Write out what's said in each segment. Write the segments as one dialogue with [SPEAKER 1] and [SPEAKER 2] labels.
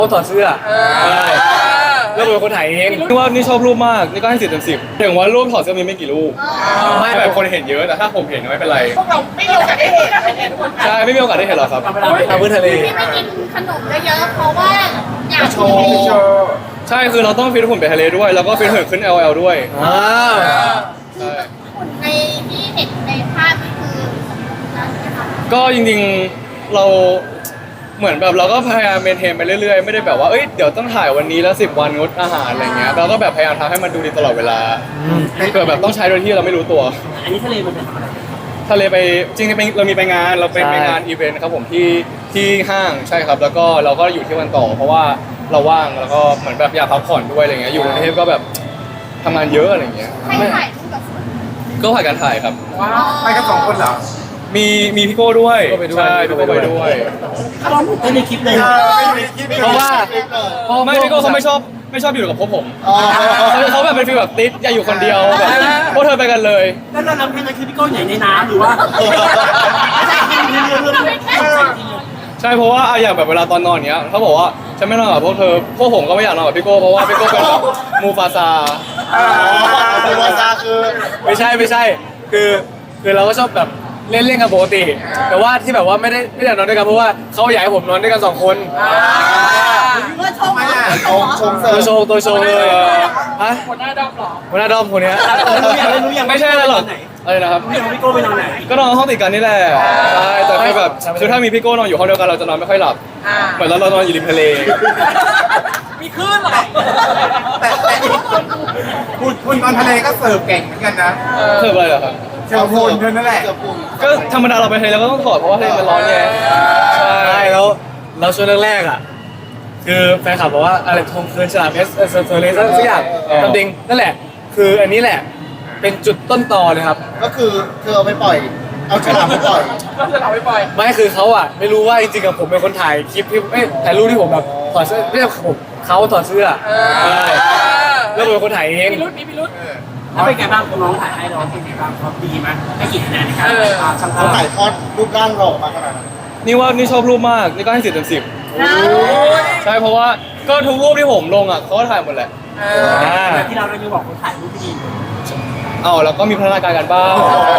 [SPEAKER 1] เขาถอดเสื้อแล้วเป็นคนถ่ายเองนี่ว่านี่ชอบรูปมากนี่ก็ให้10/10ถึงว่ารูปถอดเสื้อมีไม่กี่รูปไม่แบบคนเห็นเยอะแต่ถ้าผมเห็นไม่เป็นไร
[SPEAKER 2] พวกเราไม่มีโอกาสได้เห็น
[SPEAKER 1] ใช่ไม่มีโอกาสได้เห็นหรอกครับทางพื้นทะเล
[SPEAKER 3] ที่ไม่กินขนมเยอะๆเพราะว่าอยาก
[SPEAKER 2] โชว์
[SPEAKER 1] ใช่คือเราต้องฟิตหุ่นไปทะเลด้วยแล้วก็ฟิตหุ่นขึ้น LL ด้วยใช่
[SPEAKER 3] หุ่นในที่เห็นในภาพนี่คือนั่นใช่ไหมคะ
[SPEAKER 1] ก็จริงๆเราเหมือนแบบเราก็พยายามเมนเทนไปเรื่อยๆไม่ได้แบบว่าเอ้ยเดี๋ยวต้องถ่ายวันนี้แล้ว10 วันงดอาหารอะไรเงี้ยเราก็แบบพยายามทำให้มันดูดีตลอดเวลาเกิดแบบต้องใช้โดยที่เราไม่รู้ตัว
[SPEAKER 4] อันนี้ทะเลมันเป็นอะไร
[SPEAKER 1] ทะเลไปจริงๆเรามีไปงานเราไปงานอีเวนต์ครับผมที่ห้างใช่ครับแล้วก็เราก็อยู่ที่วันต่อเพราะว่าเราว่างแล้วก็เหมือนแบบอยากพักผ่อนด้วยอะไรเงี้ยอยู่กรุงเทพก็แบบทำงานเยอะอะไรเงี้ย
[SPEAKER 3] ให้ถ่ายรูปกับฝน
[SPEAKER 1] ก็ผ่านการถ่ายครับ
[SPEAKER 2] ว้าวไปกัน2 คนเหรอ
[SPEAKER 1] มีพี่โก้ด้วยใช่พี่โก้ไปด้วย
[SPEAKER 4] ถ้าลองพูดในคลิปเลย
[SPEAKER 2] ไม่มีคิด
[SPEAKER 1] เพราะว่าไม่พี่โก้เขาไม่ชอบอยู่กับพวกผมเขาแบบเป็นฟีลแบบติดอย่าอยู่คนเดียวแบบพวกเธอไปกันเลย
[SPEAKER 4] แล้วเราทำแค่นั้นคือพี่ก้อยใหญ่ในน้ำหรือว่า
[SPEAKER 1] ใช่เพราะว่าอย่างแบบเวลาตอนนอนเนี้ยเขาบอกว่าฉันไม่นอนกับพวกเธอพวกผมก็ไม่อยากนอนกับพี่โก้เพราะว่าพี่โก้เป็นแบบมูฟาซา
[SPEAKER 2] มูฟาซาคือ
[SPEAKER 1] ไม่ใช่คือเราก็ชอบแบบเล่นกันปกติ แต่ว่าที่แบบว่าไม่อยากนอนด้วยกันเพราะว่าเขาอยากให้ผมนอนด้วยกัน2 คน
[SPEAKER 3] ชม
[SPEAKER 2] ไม่อ่ะชมเสริ
[SPEAKER 1] ตัว
[SPEAKER 2] ม
[SPEAKER 1] โชว์เลยฮะ
[SPEAKER 2] หัวหน้าดอมหรอ
[SPEAKER 1] หัวหน้าดอมคนเนี้ย
[SPEAKER 4] รู้ยัง
[SPEAKER 1] ไม่ใช่อะไรหรอกอะไรนะครับ
[SPEAKER 4] พี่พี่โก้ไปนอนไหน
[SPEAKER 1] ก็นอนห้องติดกันนี่แหละใช่แต่คือแบบคือถ้ามีพี่โก้นอนอยู่ห้องเดียวกันเราจะนอนไม่ค่อยหลับเหมือนเรานอนอยู่ริมทะเล
[SPEAKER 2] มีคลื่นเหรอแต่คุณตอนทะเลก็เสิร์ฟเก่งเหมือนกันนะ
[SPEAKER 1] เพิ่มอะไรเหรอครับ
[SPEAKER 2] เสิร์ฟคุณเท่านั้นแหละ
[SPEAKER 1] ก็ธรรมดาเราไปทะเลเราก็ต้องถอดเพราะว่าทะเลมันร้อนไงใช่แล้วช่วงแรกๆอ่ะคือแฟนคลับบอกว่าอะไรทงคืนฉลามเอสเซอร์เลสสักอย่างตำดิงนั่นแหละคืออันนี้แหละเป็นจุดต้นตอเลยครับ
[SPEAKER 5] ก็คือเธอเอาไปปล่อย เอาฉลามไปปล่อย
[SPEAKER 2] ก็จะเราไม่ปล่อย
[SPEAKER 1] ไม่คือเขาอ่ะไม่รู้ว่าจริงๆกับผมเป็นคนถ่ายคลิปที่ถ่ายรูปที่ผมแบบถอดเสื้อไม่ใช่ผมเขาถอดเสื้อใช่แล้วผมเป็นคนถ่ายเอง
[SPEAKER 2] มีรุดมีพิรุษ
[SPEAKER 4] แล้วเป็นไงบ้างน้องถ่ายให้น้องเป็นไงบ้างเขาดีไหมให้กี่คะแนนในการช่างภา
[SPEAKER 5] เขา
[SPEAKER 4] พ
[SPEAKER 5] ถ่ายทอดรูปร่างเราออกมาขนาดนั้น
[SPEAKER 1] นี่ชอบรูปมากนี่ก็ให้10/10ใช่เพราะว่าก็ทุกรูปที่ผมลงอ่ะเขาก็ถ่ายหมดแหละ
[SPEAKER 4] แต่ที่เราได้บอกคนถ่ายรูปที่ดี
[SPEAKER 1] เอาแล้วก็มีพัฒนาการกันบ้าง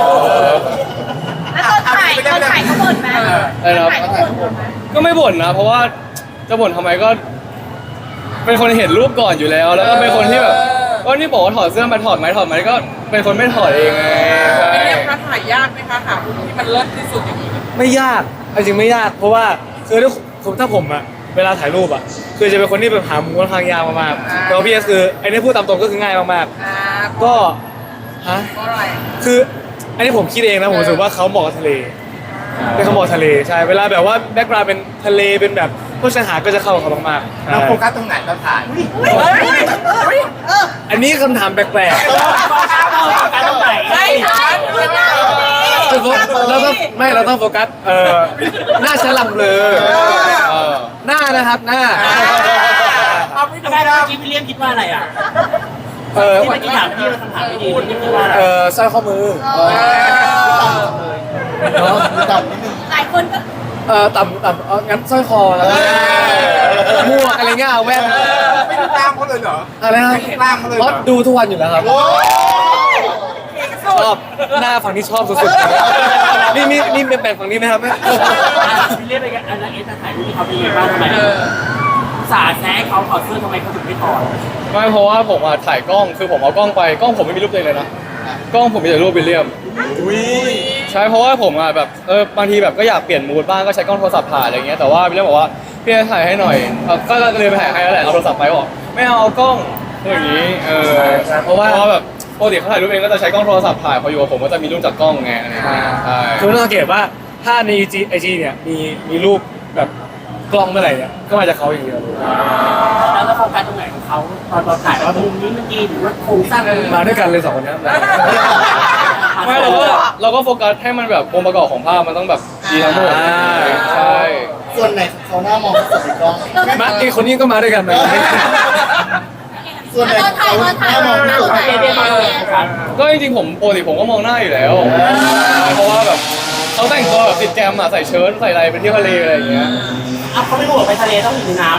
[SPEAKER 3] แล้วตอนถ่ายเขาบ่นไหม
[SPEAKER 1] อะไรนะ
[SPEAKER 3] ถ่ายเขาบ่นไหม
[SPEAKER 1] ก็ไม่บ่นนะ เพราะว่าจะบ่นทำไมก็ เป็นคนเห็นรูปก่อนอยู่แล้ว แล้วก็เป็นคนที่แบบก็นี่บอกว่าถอดเสื้อมาถอดไหมก็เป็นคนไม่ถอดเองไงใช่
[SPEAKER 2] เป็นเรื่องถ่ายยากไหมคะหามุมที่มันเลิศที่สุดอย่างนี้
[SPEAKER 1] ไม่ยากจริงไม่ยาก เพราะว่าคือถ้าผมอะเวลาถ่ายรูปอะคือจะเป็นคนที่แบบหามุมค่อนข้างยากมากๆแต่ว่าพี่เอสคือไอ้นี่พูดตามตรงก็คือง่ายมากๆก็ฮะ
[SPEAKER 2] เพราะอะไร
[SPEAKER 1] คืออันนี้ผมคิดเองนะผมรู้สึกว่าเขาเหมาะกับทะเลเป็นเขาเหมาะทะเลใช่เวลาแบบว่าแบ็กกราวด์เป็นทะเลเป็นแบบพวกชายหาดก็จะเข้ากับเขามากๆ
[SPEAKER 2] เราโฟกัสตรงไหนตอนถ่าย
[SPEAKER 1] อันนี้คำถามแปลก
[SPEAKER 4] การต้องไหน
[SPEAKER 2] ใช่ใช่
[SPEAKER 1] ๆคือเราต้องโฟกัสหน้าฉลับเลยหน้านะครับหน้า
[SPEAKER 2] เอาไม่
[SPEAKER 4] ไม่
[SPEAKER 2] ดู
[SPEAKER 4] ได้
[SPEAKER 2] ได้
[SPEAKER 4] เมื่อกี้พี่เลี้ยงคิดว่าอะไรอ่ะ
[SPEAKER 1] เออ
[SPEAKER 4] ที่เมื่อกี้ถามพี่คำถามไม่ดีพี่คิดว่าอะไร
[SPEAKER 1] สร้อยข้อมือเนาะ
[SPEAKER 5] ต่ำนิดนึง
[SPEAKER 3] หลายคนก็
[SPEAKER 1] ต่ำงั้นสร้อยคอแล้วหมวกอะไรเงี้ยเอาแว่น
[SPEAKER 2] ไม่ดูตามเขาเลยเหรอ
[SPEAKER 1] อะไรนะ
[SPEAKER 2] ตามเขาเลย
[SPEAKER 1] เพ
[SPEAKER 2] เหร
[SPEAKER 1] ราะ
[SPEAKER 2] อ
[SPEAKER 1] ดูทุกวันอยู่แล้วครับ ชอบหน้าฝั่งที่ชอบสุดๆนี่เป็นแปลงฝั่งนี้ไหมครับ
[SPEAKER 4] พี่เลี้ยงไปกันอันนั้นเอสถ่ายรูปที่เขาเป็นไงบ้างทำไมสาแซะเขาถอดเสื้อทำไมเขาถึงไม่ถอด
[SPEAKER 1] ไม่เพราะว่าผมอะถ่ายกล้องคือผมเอากล้องไปกล้องผมไม่มีรูปตัวเองเลยนะกล้องผมมีแต่รูปวิลเลียมใช่เพราะว่าผมอะแบบบางทีแบบก็อยากเปลี่ยนมูดบ้างก็ใช้กล้องโทรศัพท์ถ่ายอะไรเงี้ยแต่ว่าวิลเลียมบอกว่าพี่ถ่ายให้หน่อยก็เลยไปถ่ายให้แล้วแหละเอาโทรศัพท์ไปบอกไม่เอากล้องอย่างนี้เพราะว่าแบบปกติเขาถ่ายรูปเองก็จะใช้กล้องโทรศัพท์ถ่ายพออยู่กับผมก็จะมีรูปจากกล้องไงอะไรเงี้ยใช่คือต้องสังเกตว่าถ้าในไอจีเนี่ยมีรูปแบบกล้องเมื่อไหร่เนี่ยก็มาจากเขาอย่างเดียว
[SPEAKER 4] แล้วโฟกัสตรงไหนของเขาตอนเราถ่ายว่ามุมนี้มันดีหรือว่าโครงสร้างมัน
[SPEAKER 1] มาด้วยกันเลยสองคนเนี้ยไม่เราก็โฟกัสให้มันแบบองค์ประกอบของภาพมันต้องแบบดีทั้งหมดใช่
[SPEAKER 5] ส่วนไหนของเขาหน้ามองที่สุดในกล้อง
[SPEAKER 1] มาอีกคนนี้ก็มาด้วยกันนะ
[SPEAKER 5] ส่วนไหนของเขาหน้ามองที่สุด
[SPEAKER 1] ก็จริงๆผมปกติผมก็มองหน้าอยู่แล้ว เพราะว่าแบบเขาแต่งตัวแบบติดแกรมอะใส่เชิ้ตใส่อะไรไปเที่ยวทะเลอะไรอย่างเงี้ย
[SPEAKER 4] เขาไม่รู้ว่าไปทะเลต้องอยู่ในน้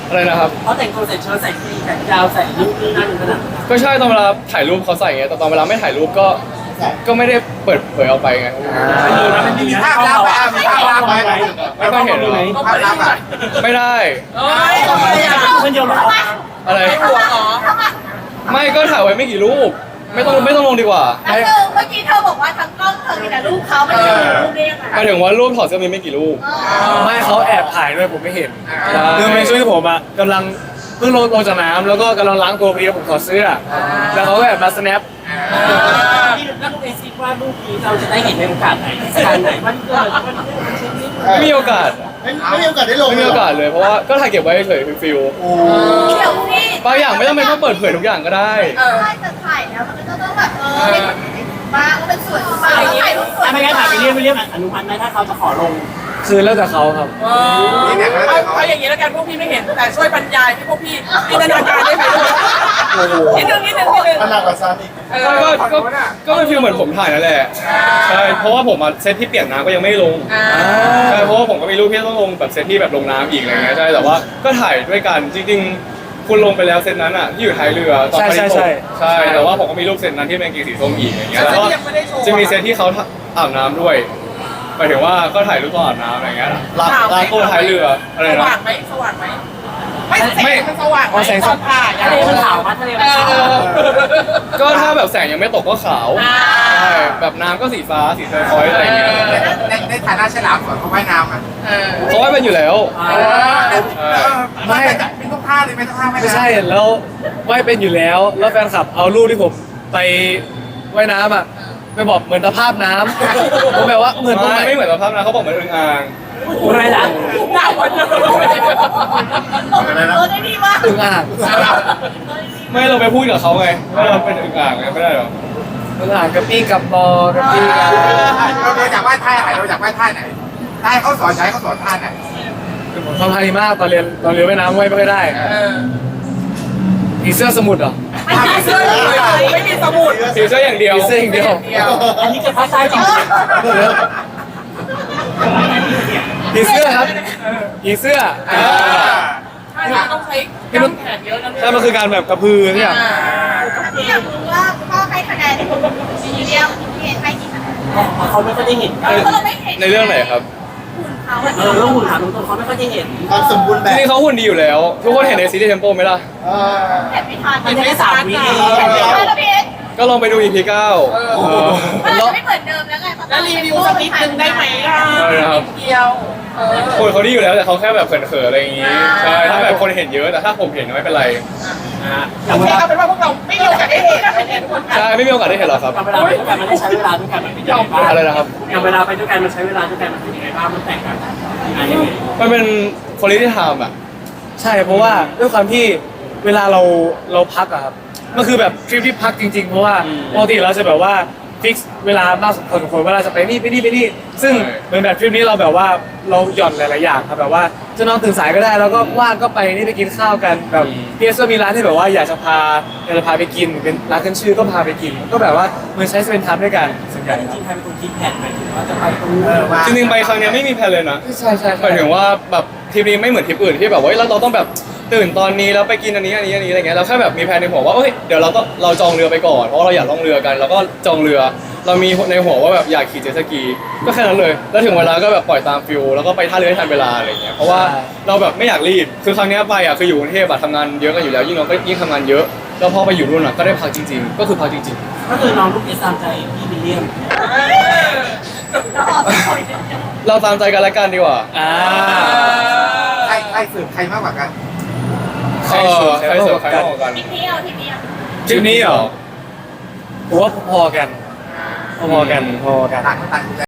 [SPEAKER 1] อะไรนะครับ
[SPEAKER 4] เขาแต่งตัวใส่เชิ้ตใส่แขนยาวใส่ลูกนี่นั่นขนาดนั้น
[SPEAKER 1] ก็ใช่ตอนเวลาถ่ายรูปเขาใส่ไงแต่ตอนเวลาไม่ถ่ายรูปก็ไม่ได้เปิดเผยออกไปไง
[SPEAKER 4] มันมี
[SPEAKER 2] มี
[SPEAKER 4] นะ
[SPEAKER 2] ภาพลับไหมมีภาพลับไหม
[SPEAKER 1] ไม่ค่อยเห็นเลย
[SPEAKER 2] ภาพลับอ่ะ
[SPEAKER 1] ไม่ได้
[SPEAKER 4] มันโยนมา
[SPEAKER 1] อะไร
[SPEAKER 3] หัวเหรอ
[SPEAKER 1] ไม่ก็ถ่ายไว้ไม่กี่รูป ไม่ต้องลงดีกว่า
[SPEAKER 3] แล้วเธอเมื่อกี้เธอบอกว่าทั้งกล้องเธอมีแต่รูปเขาไม่ได้รูปได้ยังไง
[SPEAKER 1] หมายถึงว่ารูปถอดเสื้อมีไม่กี่รูป
[SPEAKER 6] ไม่เขาแอบถ่ายด้วยผมไม่เห็น
[SPEAKER 1] ใช่
[SPEAKER 6] คือในช่วงที่ผมอะกำลังเพิ่งลงจากน้ำแล้วก็กำลังล้างตัวพอดีผมถอดเสื้อแล้วเขาก็แอบมา snap
[SPEAKER 4] แล้วลูกเอซิว่าลูกนี้เราจะได้เห็นในโอกาสไหนการไหนมันเกิดมัน
[SPEAKER 1] ไม่มีโอกาส
[SPEAKER 5] ไม่มีโอกาสได้ลง
[SPEAKER 1] ไม่มีโอกาสเลยเพราะว่าก็ถ่ายเก็บไว้เฉยๆฟิล
[SPEAKER 5] โอ้
[SPEAKER 3] เดี๋ยวนี่
[SPEAKER 1] บางอย่างไม่ต้องเป็นต้องเปิดเผยทุกอย่างก็ได้
[SPEAKER 3] ใช่จะถ่ายแล้วมันก็ต้องแบบให้บ้างเป็นสวยบ้างถ่ายรูปสวย
[SPEAKER 4] ไม่งั้นถ่ายไปเรียกอนุมัติไหมถ้าเขาจะขอลง
[SPEAKER 6] คือแล้วแต่เขาครับ
[SPEAKER 2] นี่เนี่ย
[SPEAKER 7] เอาอย่างนี้แล้วกันพวกพี่ไม่เห็นแต่ช่วยบรรยายให้พวกพี่จินตนาการได้ไหมนิดนึง
[SPEAKER 5] ขนาดกว่าซาอีก
[SPEAKER 1] ก็เป็นฟิลเหมือนผมถ่ายนั่นแหละใช่เพราะว่าผมมาเซตที่เปียกน้ำก็ยังไม่ลงใช่เพราะว่าผมก็มีรูปที่ต้องลงแบบเซตที่แบบลงน้ำอีกอะไรเงี้ยใช่แต่ว่าก็ถ่ายด้วยกันจริงๆคุณลงไปแล้วเซตนั้นอ่ะที่อยู่ท้ายเรือตอนไปที่ใช่แต่ว่าผมก็มีรูปเซตนั้นที่เป็นกีสีส้มอีกอย่างเงี้ยแล้วก็จะมีเซตที่เขาอาบน้ำด้วยหมายถึงว่าก็ถ่ายรูปตอนอาบน้ำอะไรเงี้ยล้างตัวท้ายเรืออะไร
[SPEAKER 7] ส
[SPEAKER 1] นะ
[SPEAKER 7] ว่างไหมสว่างไหมไม่แสงมันสว่างไหมตอนถ่าย
[SPEAKER 4] ทะเลมันขาวมั้ยทะเลมันขาว
[SPEAKER 1] ก็ถ้าแบบแสงยังไม่ตกก็ขาวใช่แบบน้ำก็สีฟ้าสีเทอร์คอยส์อะไรอย่างเงี้ย
[SPEAKER 2] ในฐานะฉลามสวนเขาว่ายน้ำอ่ะ
[SPEAKER 1] เขาว่าเป็นอยู่แล้ว
[SPEAKER 2] ไม่เป็นทุกท่าเลยเป็นทุกท่า
[SPEAKER 6] ไม่ใช่แล้วว่ายเป็นอยู่แล้วแล้วแฟนคลับเอารูปที่ผมไปว่ายน้ำอะไปบอกเหมือนตะภาพน้ำผมแบบว่าเหมือนตรงไหน
[SPEAKER 1] ไม่เหมือนสภาพนะเขาบอกเหมือนอึ่งอ่าง
[SPEAKER 4] อะไรนะ
[SPEAKER 7] หน้าวันเลย
[SPEAKER 3] ได้ดีมาก
[SPEAKER 6] อึ่งอ่าง
[SPEAKER 1] ไม่เราไปพูดกับเขาไงว่าเราเป็นอึ่งอ่างไงไม่ได้หรอ
[SPEAKER 6] อึ่งอ่างกระปี้กับบอกระปี้กับ
[SPEAKER 2] เราอยากว่ายท่าไหนเราอยากว่ายท่าไหนท่าเขาสอนใช้เขาสอนท่าไหน
[SPEAKER 6] คือผมทำท่านี้มากตอนเรียนว่ายน้ำว่ายไม่ค่อยได้ผีเสื้อสมุทรเหรอ
[SPEAKER 7] ไม่มีเสื้อเลยไม่มีสมุด
[SPEAKER 1] สีเสื้ออย่างเดียว
[SPEAKER 6] ผีเสื้ออย่างเดียว
[SPEAKER 4] อันนี้จะพักซ้ายจริง
[SPEAKER 6] ผีเสื้อครับผีเสื้อ
[SPEAKER 7] ใช่ต้องใช้กล้ามแขนเยอะนะ
[SPEAKER 6] ใช่มันคือการแบบกระพือเนี่ย
[SPEAKER 3] ที่อยากรู้ว่าพ่อให้คะแนนมีเดียมพี่เอ็นให้กี่คะแนน
[SPEAKER 4] เขาไม่ค่อยได้เห็น
[SPEAKER 3] เราไม่เห็น
[SPEAKER 1] ในเรื่องไหนครับ
[SPEAKER 3] หุ่นเขา
[SPEAKER 4] เรื่องหุ่นถามตรงๆเขาไม่ค่อยได้เห็น
[SPEAKER 5] ความสมบูรณ์แบ
[SPEAKER 1] จ
[SPEAKER 5] บ
[SPEAKER 1] ริงๆเขาหุ่นดีอยู่แล้ว ทุกคนเห็นในซีรีส์เทมโปไหมล่ะ
[SPEAKER 3] เห็นไม่ทัน
[SPEAKER 4] มันไม่ได้3 วิเอง
[SPEAKER 3] แล้วพี่เอ็น
[SPEAKER 1] ก็ลองไปดู EP 9
[SPEAKER 3] มันจะไม่เหมือนเดิมแล้วไง
[SPEAKER 7] แล้วรีวิวสักนิดนึงได้ไหมล่ะเดียว
[SPEAKER 1] คนเขาดีอยู่แล้วแต่เขาแค่แบบเขินๆอะไรอย่างงี้ใช่ถ้าแบบคนเห็นเยอะแต่ถ้าผมเห็นไม่เป็นไร
[SPEAKER 7] โอเคเอาเป็นว่าพวกเราไม่มีโอกาสได้เห็นทุกคน
[SPEAKER 1] ใช่ไม่มีโอกาสได้เห็นหรอกครับ
[SPEAKER 4] เวลาไปด้วยกันมันได้ใช้เวลาด้วยกันมันเป็นยังไงบ้าง
[SPEAKER 1] อะไรนะครับ
[SPEAKER 4] อย่างเวลาไปด้วยกันมันใช้เวลาด้วยกันมันเป็นยังไงบ้างมันแตกต่างกันยังไง
[SPEAKER 1] มันเป็นคุณภาพอ่ะ
[SPEAKER 6] ใช่เพราะว่าด้วยความที่เวลาเราพักอะครับมันคือแบบทริปที่พักจริงๆเพราะว่าปกติเราจะแบบว่าฟิกเวลามากพอสมควรเวลาจะไปนี่ไปนี่ซึ่งเหมือนแบบทริปนี้เราแบบว่าเราหย่อนหลายๆอย่างครับแบบว่าจะนอนตื่นสายก็ได้แล้วก็ว่างก็ไปนี่ไปกินข้าวกันแบบพีเอสก็มีร้านที่แบบว่าอยากจะพาไปกินเป็นร้านขึ้นชื่อก็พาไปกิน ก็แบบว่าเหมือนใช้สเปนทัมด้วยกันส่วนใหญ่
[SPEAKER 4] จ
[SPEAKER 6] ครับ
[SPEAKER 4] ริงๆใครเป็นคนคิดแผนหมายถึงว่าจะไปตรงนู้น
[SPEAKER 1] จริงๆไปครั้งเนี้ยไม่มีแพลนเลยนะ
[SPEAKER 6] ใช่ใช่
[SPEAKER 1] หมายถึงว่าแบบทริปนี้ไม่เหมือนทริปอื่นที่แบบว่าเราต้องแบบตื่นตอนนี้แล้วไปกินอันนี้อะไรเงี้ยเราแค่แบบมีแผนในหัวว่าเอ้ยเดี๋ยวเราจองเรือไปก่อนเพราะเราอยากล่องเรือกันแล้วก็จองเรือ เรามีในหัวว่าแบบอยากขี่เจ็ตสกีก็แค่นั้นเลยแล้วถึงเวลาก็แบบปล่อยตามฟิลแล้วก็ไปท่าเรือให้ทันเวลาอะไรเงี้ยเพราะว่าเราแบบไม่อยากรีบคือครั้งเนี้ยไปอ่ะคืออยู่กรุงเทพอะทำงานเยอะกันอยู่แล้วยิ่งเราก็ยิ่งทำงานเยอะแล้วพอไปอยู่นู่นอ่ะก็ได้พักจริงๆก็คือพักจริง
[SPEAKER 4] ก็คือน้องลูกเอสตามใจพี่วิลเลียม
[SPEAKER 1] ๆเราตามใจกันและกันดีกว่า
[SPEAKER 2] ใครสืบใครมากกว่ากัน
[SPEAKER 1] ใครเสิร์ฟใครมากกว่ากัน
[SPEAKER 3] ทีเดียว
[SPEAKER 1] ทริปนี้เหรอ
[SPEAKER 6] ผมว่าพอๆกันพอๆกัน
[SPEAKER 2] ต่างคนต่างดูแล